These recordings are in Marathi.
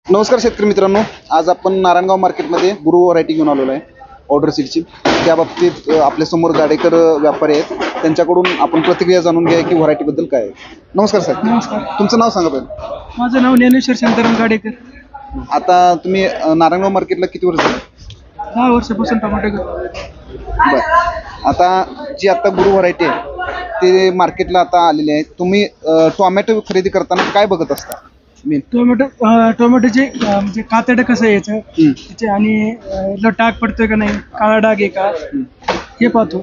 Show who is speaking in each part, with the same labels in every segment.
Speaker 1: नमस्कार शेतकरी मित्रांनो, आज आपण नारायणगाव मार्केटमध्ये गुरु व्हरायटी घेऊन आलेलो आहे ऑर्डर सीटची. त्या बाबतीत आपल्यासमोर गाडेकर व्यापारी आहेत, त्यांच्याकडून आपण प्रतिक्रिया जाणून घ्या की व्हरायटीबद्दल काय आहे. नमस्कार साहेब.
Speaker 2: नमस्कार.
Speaker 1: तुमचं नाव सांगा पहिले.
Speaker 2: माझं नाव ज्ञानेश्वर शांताराम गाडेकर.
Speaker 1: आता तुम्ही नारायणगाव मार्केटला किती वर्ष झाली?
Speaker 2: 10 वर्षापासून टमाटे
Speaker 1: बरं. आता जी आता गुरु व्हरायटी आहे ते मार्केटला आता आलेली आहे. तुम्ही टोमॅटो खरेदी करताना काय बघत असता? मेन
Speaker 2: टोमॅटोचे म्हणजे कातडं कसं आहे याचं त्याचे आणि याला डाग पडतोय का नाही, काळा डाग आहे का हे पाहतो.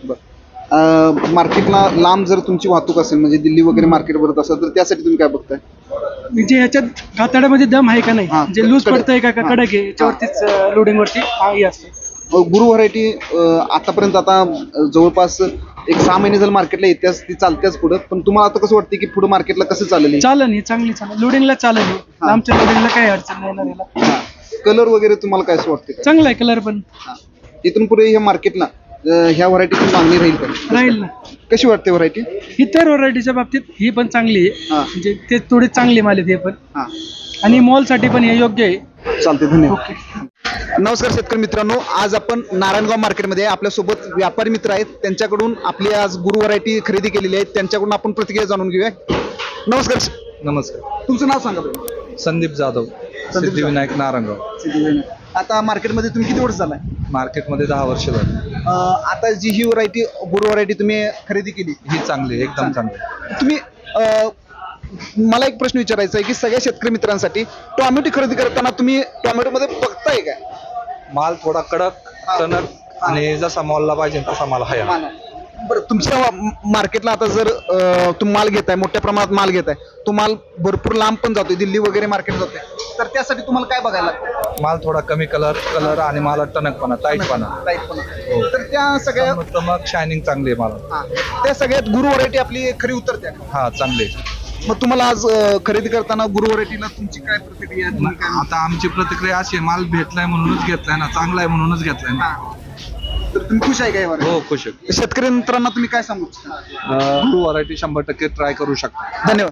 Speaker 1: मार्केटला लांब जर तुमची वाहतूक असेल, म्हणजे दिल्ली वगैरे मार्केट भरत असेल, तर त्यासाठी तुम्ही काय बघताय?
Speaker 2: म्हणजे ह्याच्यात कातड्यामध्ये दम आहे का नाही,
Speaker 1: हां,
Speaker 2: म्हणजे लूज
Speaker 1: कडक.
Speaker 2: पडतंय का कडक आहे, याच्यावरतीच लोडिंग वरती हे असतं.
Speaker 1: गुरु व्हरायटी आतापर्यंत आता जवळपास एक 6 महिने झालं मार्केटला येत्याच, ती चालत्याच पुढं. पण तुम्हाला आता कसं वाटतं की पुढे मार्केटला कसं चालेल?
Speaker 2: चालन ही चांगली लोडिंगला चालेल ही. आमच्या लोडिंगला काही अडचण नाही येणार याला.
Speaker 1: कलर वगैरे तुम्हाला काय असं वाटतं?
Speaker 2: चांगला आहे कलर पण.
Speaker 1: इथून पुढे ह्या मार्केटला ह्या व्हरायटीची मागणी राहील का?
Speaker 2: राहील ना.
Speaker 1: कशी वाटते व्हरायटी?
Speaker 2: इतर व्हरायटीच्या बाबतीत ही पण चांगली आहे, म्हणजे ते थोडे चांगले माल आहेत हे पण,
Speaker 1: हां,
Speaker 2: आणि मॉलसाठी पण हे योग्य आहे.
Speaker 1: चालते. धन्यवाद. नमस्कार शेतकरी मित्रांनो, आज आपण नारायणगाव मार्केटमध्ये आपल्यासोबत व्यापारी मित्र आहेत, त्यांच्याकडून आपली आज गुरु व्हरायटी खरेदी केलेली आहे. त्यांच्याकडून आपण प्रतिक्रिया जाणून घेऊया. नमस्कार.
Speaker 3: नमस्कार.
Speaker 1: तुमचं नाव सांगा बरं.
Speaker 3: संदीप जाधव, सिद्धिविनायक नारायणगाव.
Speaker 1: आता मार्केटमध्ये तुम्ही किती वर्ष झालाय?
Speaker 3: मार्केटमध्ये 10 वर्ष झाली.
Speaker 1: आता जी ही व्हरायटी गुरु व्हरायटी तुम्ही खरेदी केली,
Speaker 3: ही चांगली, एकदम चांगली.
Speaker 1: तुम्ही मला एक प्रश्न विचारायचा आहे की सगळ्या शेतकरी मित्रांसाठी टोमॅटो खरेदी करताना तुम्ही टोमॅटोमध्ये बघताय काय?
Speaker 3: माल थोडा कडक, टणक आणि जसा मॉलला पाहिजे तसा माल आहे.
Speaker 1: बरं, तुमच्या मार्केटला आता जर तुम्ही माल घेताय, मोठ्या प्रमाणात माल घेताय, तो माल भरपूर लांब पण जातोय, दिल्ली वगैरे मार्केट जातोय, तर त्यासाठी तुम्हाला काय बघायला लागतं?
Speaker 3: माल थोडा कमी कलर आणि माला टणकपणा, टाईटपणा.
Speaker 1: हो. तर त्या सगळ्या
Speaker 3: मग शायनिंग चांगली आहे मला.
Speaker 1: त्या सगळ्यात गुरु व्हरायटी आपली खरी उतरते.
Speaker 3: हा, चांगली.
Speaker 1: मग तुम्हाला आज खरेदी करताना गुरु व्हरायटीला तुमची काय प्रतिक्रिया आहे? तुम्ही काय
Speaker 3: आता आमची प्रतिक्रिया अशी आहे, माल भेटलाय म्हणूनच घेतलाय ना, चांगला आहे म्हणूनच घेतलाय ना.
Speaker 1: तर तुम्ही खुश आहे का यावर?
Speaker 3: हो, खुश आहे.
Speaker 1: शेतकरी मित्रांना तुम्ही काय सांगू इच्छिता?
Speaker 3: गुरु व्हरायटी 100% ट्राय करू शकता.
Speaker 1: धन्यवाद.